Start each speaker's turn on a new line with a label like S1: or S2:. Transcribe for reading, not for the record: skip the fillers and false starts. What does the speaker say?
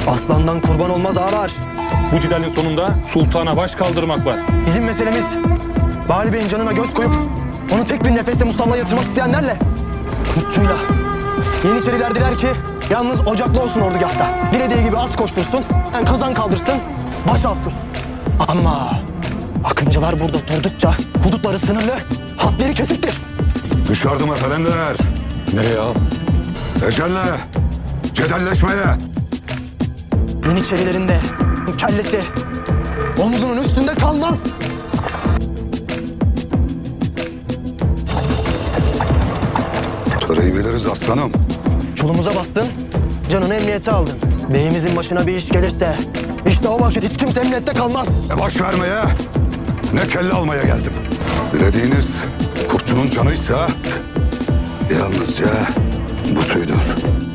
S1: Aslandan kurban olmaz ağalar.
S2: Bu cidalin sonunda sultana baş kaldırmak var.
S1: Bizim meselemiz Bali Bey'in canına göz koyup onu tek bir nefeste musallaya yatırmak isteyenlerle Kurtçuyla. Yeniçeriler diler ki yalnız ocaklı olsun ordugahta. Dilediği gibi at koştursun, kazan kaldırsın, baş alsın. Ama Akıncılar burada durdukça hudutları sınırlı, hatları kesiktir.
S3: Dışarıdım efendiler.
S4: Nereye ağam?
S3: Ecelle, cedelleşmeye.
S1: Yeniçerilerin de kellesi omzunun üstünde kalmaz.
S3: Töreyi biliriz aslanım.
S1: Çolumuza bastın, canını emniyete aldın. Beyimizin başına bir iş gelirse işte o vakit hiç kimse emniyette kalmaz.
S3: Ne baş vermeye, ne kelle almaya geldim. Dilediğiniz kurtçunun canıysa yalnızca bu tüydür.